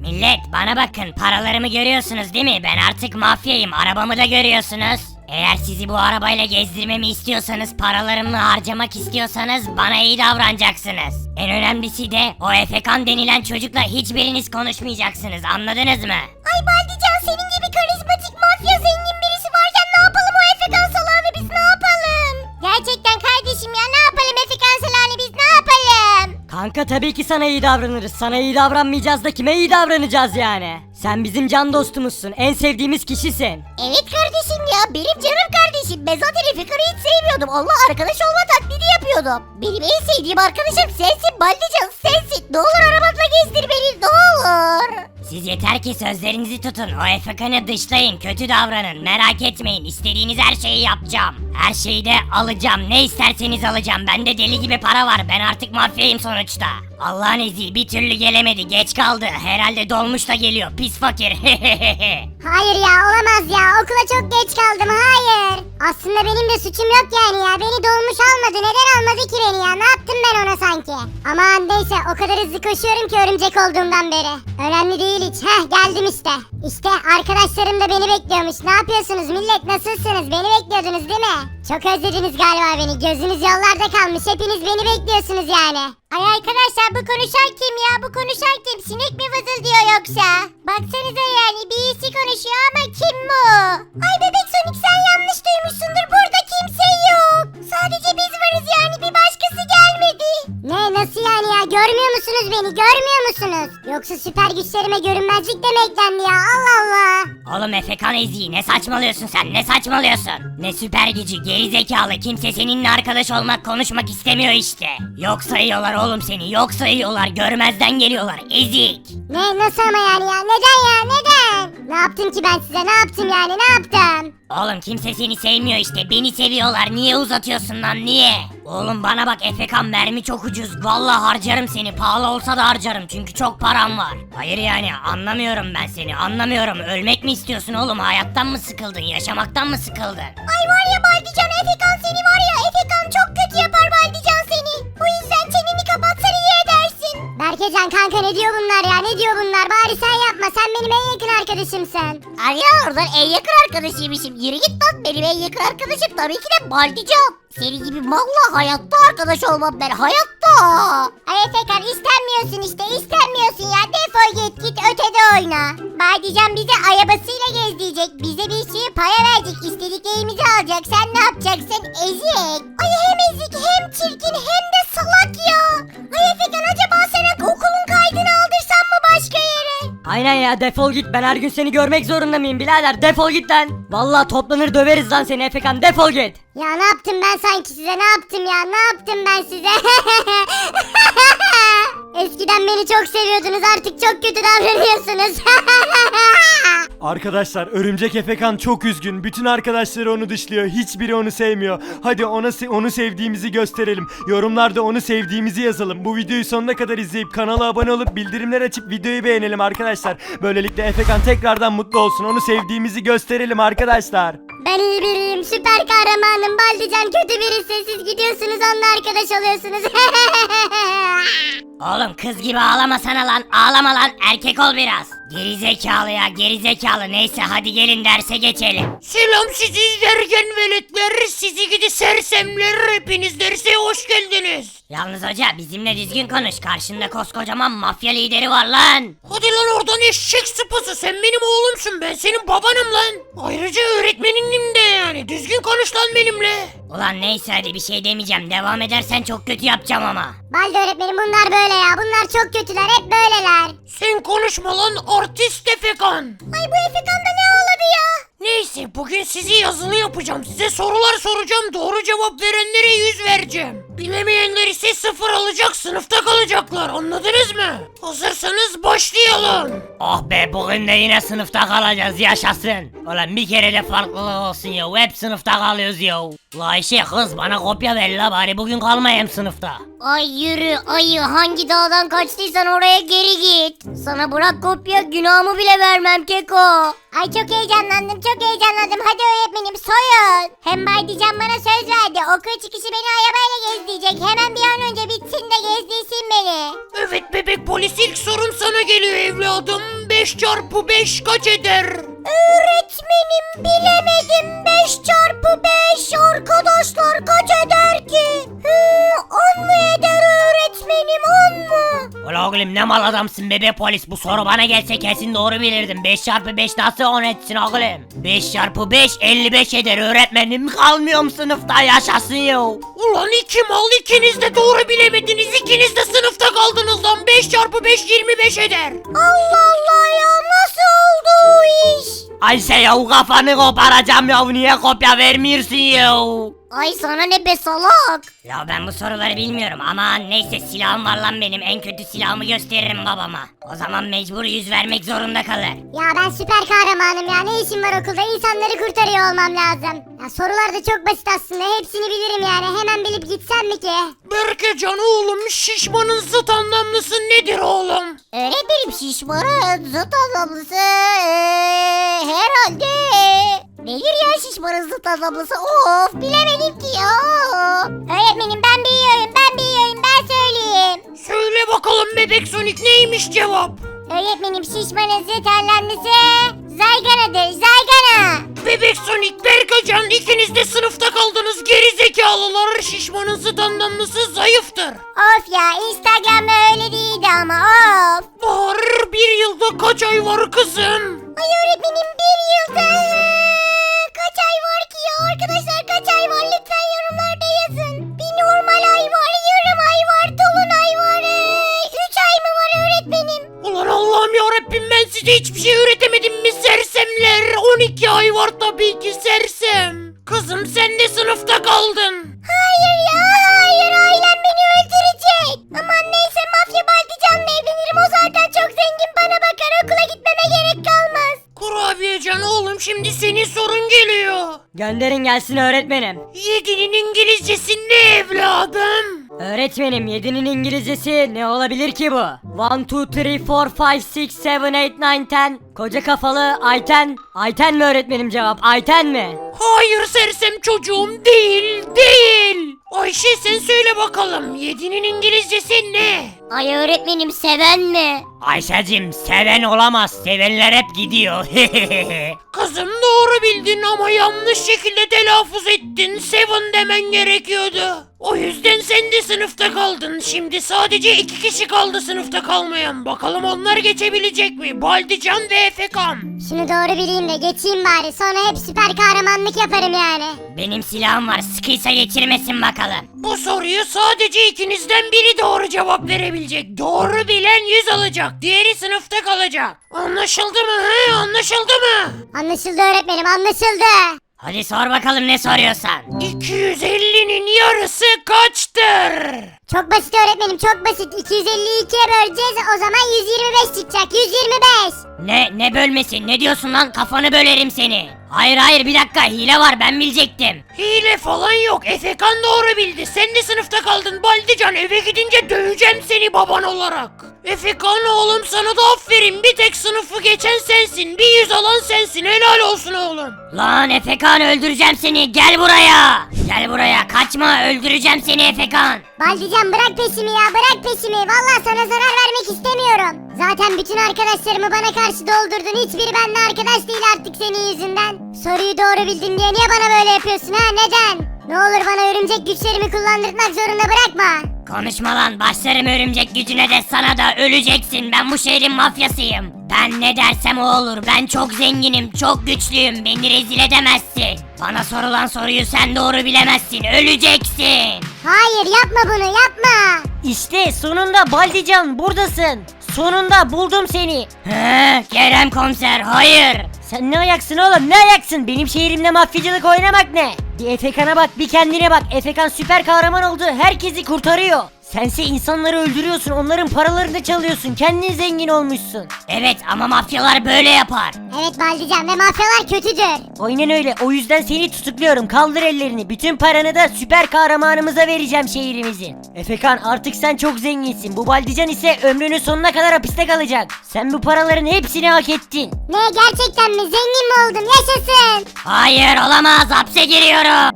Millet bana bakın, paralarımı görüyorsunuz değil mi? Ben artık mafyayım, arabamı da görüyorsunuz. Eğer sizi bu arabayla gezdirmemi istiyorsanız, paralarımı harcamak istiyorsanız bana iyi davranacaksınız. En önemlisi de o Efekan denilen çocukla hiçbiriniz konuşmayacaksınız, anladınız mı? Ay Baldican, senin gibi karizmatik mafya zengin birisi varken ne yapalım o Efekan salağını, biz ne yapalım? Gerçekten kardeşim ya, ne yapalım Efekan salağını, biz ne yapalım? Kanka tabii ki sana iyi davranırız. Sana iyi davranmayacağız da kime iyi davranacağız yani? Sen bizim can dostumuzsun. En sevdiğimiz kişisin. Evet kardeşim ya, benim canım kardeşim. Ben zaten Efekan'ı hiç sevmiyordum. Allah, arkadaş olma taklidi yapıyordum. Benim en sevdiğim arkadaşım sensin Baldican, sensin. Ne olur arabamla gezdir beni, ne olur. Siz yeter ki sözlerinizi tutun. O Efekan'ı dışlayın, kötü davranın. Merak etmeyin, istediğiniz her şeyi yapacağım. Her şeyi de alacağım. Ne isterseniz alacağım. Bende deli gibi para var. Ben artık mafyayım sonuçta. Allah'ın izi bir türlü gelemedi. Geç kaldı. Herhalde dolmuş da geliyor. Pis fakir. Hayır ya, olamaz ya, okula çok geç kaldım, hayır. Aslında benim de suçum yok yani ya, beni dolmuş almadı, neden almadı ki beni ya, ne yaptım ben ona sanki? Aman neyse, o kadar hızlı koşuyorum ki örümcek olduğumdan beri. Önemli değil hiç, geldim işte. İşte arkadaşlarım da beni bekliyormuş. Ne yapıyorsunuz millet, nasılsınız, beni bekliyordunuz değil mi? Çok özlediniz galiba beni, gözünüz yollarda kalmış, hepiniz beni bekliyorsunuz yani. Ay arkadaşlar, bu konuşan kim ya, bu konuşan kim, sinek mi vızıldıyor yoksa? Baksanıza yani, birisi konuşuyor ama kim bu? Ay bebek Sonic, sen yanlış duymuşsundur, burada kimse yok. Sadece biz varız yani, bir başkası gelmedi. Ne, nasıl yani ya, görmüyor musunuz beni, görmüyor musunuz? Yoksa süper güçlerime görünmezlik de mi eklendi ya, Allah Allah. Oğlum Efekan Ezi, ne saçmalıyorsun sen, ne saçmalıyorsun? Ne süper gücü, geri zekalı, kimse seninle arkadaş olmak, konuşmak istemiyor işte. Yok sayıyorlar oğlum seni, yok sayıyorlar, görmezden geliyorlar, ezik. Ne, nasıl ama yani ya, neden ya, neden? Ne yaptım ki ben size, ne yaptım yani, ne yaptım? Oğlum kimse seni sevmiyor işte, beni seviyorlar, niye uzatıyorsun lan, niye? Oğlum bana bak Efekan, mermi çok ucuz, vallahi harcarım seni, pahalı olsa da harcarım çünkü çok param var. Hayır yani, anlamıyorum ben seni, anlamıyorum, ölmek mi istiyorsun oğlum, hayattan mı sıkıldın, yaşamaktan mı sıkıldın? Ay var ya Baldican, Efekan seni var ya, Efekan çok kötü yapar Baldican seni. Bu yüzden çeneni kapatsan iyi edersin. Berkecan kanka, ne diyor bunlar ya, ne diyor bunlar, bari sen yapma, sen benim en yakın arkadaşımsın. Ay ya, oradan en yakın arkadaşıymışım, yürü git lan, benim en yakın arkadaşım tabii ki de Baldican. Senin gibi malla hayatta arkadaş olmam ben, hayatta. Ay Efekan, istenmiyorsun işte, istenmiyorsun ya, defol git ötede oyna. Baldican bizi arabasıyla gezdirecek, bize bir sürü para verecek, istediklerimizi alacak, sen ne yapacaksın, ezik. Ay hem ezik hem çirkin hem de salak ya. Ay Efekan, acaba sana okulun kaydını aldırsan mı başka yere? Aynen ya, defol git, ben her gün seni görmek zorunda mıyım birader, defol git lan. Vallahi toplanır döveriz lan seni Efekan, defol git. Ya ne yaptım ben sanki size, ne yaptım ya, ne yaptım ben size? Eskiden beni çok seviyordunuz, artık çok kötü davranıyorsunuz. Arkadaşlar, Örümcek Efekan çok üzgün. Bütün arkadaşları onu dışlıyor. Hiçbiri onu sevmiyor. Hadi onu sevdiğimizi gösterelim. Yorumlarda onu sevdiğimizi yazalım. Bu videoyu sonuna kadar izleyip kanala abone olup bildirimler açıp videoyu beğenelim arkadaşlar. Böylelikle Efekan tekrardan mutlu olsun. Onu sevdiğimizi gösterelim arkadaşlar. Ben iyi biriyim, süper kahramanım, Baldican kötü birisi, siz gidiyorsunuz onunla arkadaş oluyorsunuz. Oğlum kız gibi ağlamasana lan, ağlama lan, erkek ol biraz. Geri zekalı ya, geri zekalı, neyse hadi gelin derse geçelim. Selam sizi izlerken veletler, sizi gidi sersemler, hepiniz derse hoş geldiniz. Yalnız hoca bizimle düzgün konuş, karşında koskocaman mafya lideri var lan. Hadi lan oradan eşek sıpası, sen benim oğlumsun, ben senin babanım lan. Ayrıca öğretmeninim de yani, düzgün konuş lan benimle. Ulan neyse hadi bir şey demeyeceğim, devam edersen çok kötü yapacağım ama. Baldi öğretmenim, bunlar böyle ya, bunlar çok kötüler, hep böyleler. Sen konuşma lan artist Efekan. Ay bu Efekan da ne ağladı ya? Neyse, bugün sizi yazılı yapacağım, size sorular soracağım, doğru cevap verenlere 100 vereceğim. Bilemeyenler ise 0 alacak, sınıfta kalacaklar, anladınız mı? Hazırsanız başlayalım. Oh be, bugün de yine sınıfta kalacağız, yaşasın. Ulan bir kere de farklılık olsun ya, hep sınıfta kalıyoruz ya. La Ayşe kız, bana kopya ver la, bari bugün kalmayayım sınıfta. Ay yürü ayı, hangi dağdan kaçtıysan oraya geri git. Sana bırak kopya, günahımı bile vermem Keko. Ay çok heyecanlandım, çok heyecanlandım, hadi öğretmenim soyun. Hem Baydican bana söz verdi, okul çıkışı beni arabayla gezdirecek, hemen bir an önce bitsin de gezdirsin beni. Evet bebek polis, ilk sorum sana geliyor evladım. 5 çarpı 5 kaç eder? Öğretmenim bilemedim. 5 çarpı 5 arkadaşlar kaç eder ki? 10 mu eder öğretmenim, 10 mu? Ulan oğlum ne mal adamsın bebe polis, bu soru bana gelse kesin doğru bilirdim. 5 çarpı 5 nasıl 10 etsin oğlum? 5 çarpı 5 55 eder öğretmenim, kalmıyorum sınıfta, yaşasın ya. Ulan iki mal, ikiniz de doğru bilemediniz, ikiniz de sınıfta kaldınız lan. 5 çarpı 5 25 eder. Allah Allah ya, nasıl oldu o iş? Ayşe ya kafanı koparacağım ya, niye kopya vermiyorsun ya? Ay sana ne be salak. Ya ben bu soruları bilmiyorum ama neyse, silahım var lan benim, en kötü silahımı gösteririm babama. O zaman mecbur yüz vermek zorunda kalır. Ya ben süper kahramanım ya, ne işim var okulda, insanları kurtarıyor olmam lazım. Ya sorular da çok basit aslında, hepsini bilirim yani, hemen bilip gitsem mi ki? Berkecan oğlum, şişmanın zıt anlamlısı nedir oğlum? Öğretmenim şişmanın zıt anlamlısı herhalde. Nedir ya şişmanın zıt anlamlısı? Of bilemedim ki ya. Öğretmenim ben biliyorum, ben söyleyeyim. Söyle bakalım bebek Sonic, neymiş cevap? Öğretmenim şişmanın zıt anlamlısı zayganadır, zaygana. Bebek Sonic, Berkecan, ikiniz de sınıfta kaldınız geri zekalılar. Şişmanın zıt anlamlısı zayıftır. Of ya, Instagram'da öyle değildi ama of. Bahar, bir yılda kaç ay var kızım? Ay öğretmenim bir yılda kaç ay var ki ya? Arkadaşlar kaç ay var? Lütfen yorumlarda yazın. Bir normal ay var, yarım ay var, dolunay var. 3 ay mı var öğretmenim? Ulan Allah'ım yarabbim, ben size hiçbir şey öğretemedim mi sersemler? 12 ay var tabii ki sersem. Kızım sen de sınıfta kaldın. Hayır ya, hayır, ailem beni öldürecek. Aman neyse, mafya Baldican'la evlenirim, o zaten çok zengin, bana bakar, okula gitmeme gerek kalmaz. Kurabiyecan oğlum, şimdi senin sorun geliyor. Gönderin gelsin öğretmenim. 7'nin İngilizcesi ne evladım? Öğretmenim 7'nin İngilizcesi ne olabilir ki bu? 1, 2, 3, 4, 5, 6, 7, 8, 9, 10. Koca kafalı Ayten. Ayten mi öğretmenim cevap? Ayten mi? Hayır sersem çocuğum, değil. Ayşe sen söyle bakalım, 7'nin İngilizcesi ne? Ay öğretmenim seven mi? Ayşecim seven olamaz, sevenler hep gidiyor. Kızım doğru bildin ama yanlış şekilde telaffuz ettin. Seven demen gerekiyordu. O yüzden sen de sınıfta kaldın. Şimdi sadece 2 kişi kaldı sınıfta kalmayan. Bakalım onlar geçebilecek mi? Baldican ve Efekan. Şunu doğru bileyim de geçeyim bari, sonra hep süper kahramanlık yaparım yani. Benim silahım var, sıkıysa geçirmesin bakalım. Bu soruyu sadece ikinizden biri doğru cevap verebilecek. Doğru bilen 100 alacak. Diğeri sınıfta kalacak. Anlaşıldı mı? He? Anlaşıldı mı? Anlaşıldı öğretmenim, anlaşıldı. Hadi sor bakalım ne soruyorsan. 250'nin yarısı kaçtır? Çok basit öğretmenim, çok basit. 252'ye böleceğiz, o zaman 125 çıkacak, 125. Ne bölmesi, ne diyorsun lan, kafanı bölerim seni. Hayır bir dakika, hile var, ben bilecektim. Hile falan yok. Efekan doğru bildi. Sen de sınıfta kaldın Baldican. Eve gidince döveceğim seni baban olarak. Efekan oğlum, sana da aferin. Bir tek sınıfı geçen sensin. Bir 100 alan sensin. Helal olsun oğlum. Lan Efekan, öldüreceğim seni, gel buraya. Gel buraya, kaçma, öldüreceğim seni Efekan. Baldican bırak peşimi ya, bırak peşimi. Vallahi sana zarar vermek istemiyorum. Zaten bütün arkadaşlarımı bana karşı doldurdun. Hiçbiri benimle arkadaş değil artık senin yüzünden. Soruyu doğru bildin diye niye bana böyle yapıyorsun ha, neden? Ne olur bana örümcek güçlerimi kullandırmak zorunda bırakma. Konuşma lan, başlarım örümcek gücüne de sana da, öleceksin. Ben bu şehrin mafyasıyım. Ben ne dersem o olur. Ben çok zenginim, çok güçlüyüm. Beni rezil edemezsin. Bana sorulan soruyu sen doğru bilemezsin. Öleceksin. Hayır, yapma bunu, yapma. İşte sonunda Baldican buradasın. Sonunda buldum seni. He, Kerem komiser, hayır. Sen ne ayaksın oğlum, ne ayaksın? Benim şehrimde mafyacılık oynamak ne? Bir Efekan'a bak, bir kendine bak. Efekan süper kahraman oldu, herkesi kurtarıyor. Sense insanları öldürüyorsun, onların paralarını çalıyorsun, kendin zengin olmuşsun. Evet ama mafyalar böyle yapar. Evet Baldican, ve mafyalar kötüdür. Aynen öyle, o yüzden seni tutukluyorum, kaldır ellerini. Bütün paranı da süper kahramanımıza vereceğim şehrimizin. Efekan, artık sen çok zenginsin, bu Baldican ise ömrünün sonuna kadar hapiste kalacak. Sen bu paraların hepsini hak ettin. Ne, gerçekten mi? Zengin mi oldum? Yaşasın. Hayır, olamaz, hapse giriyorum.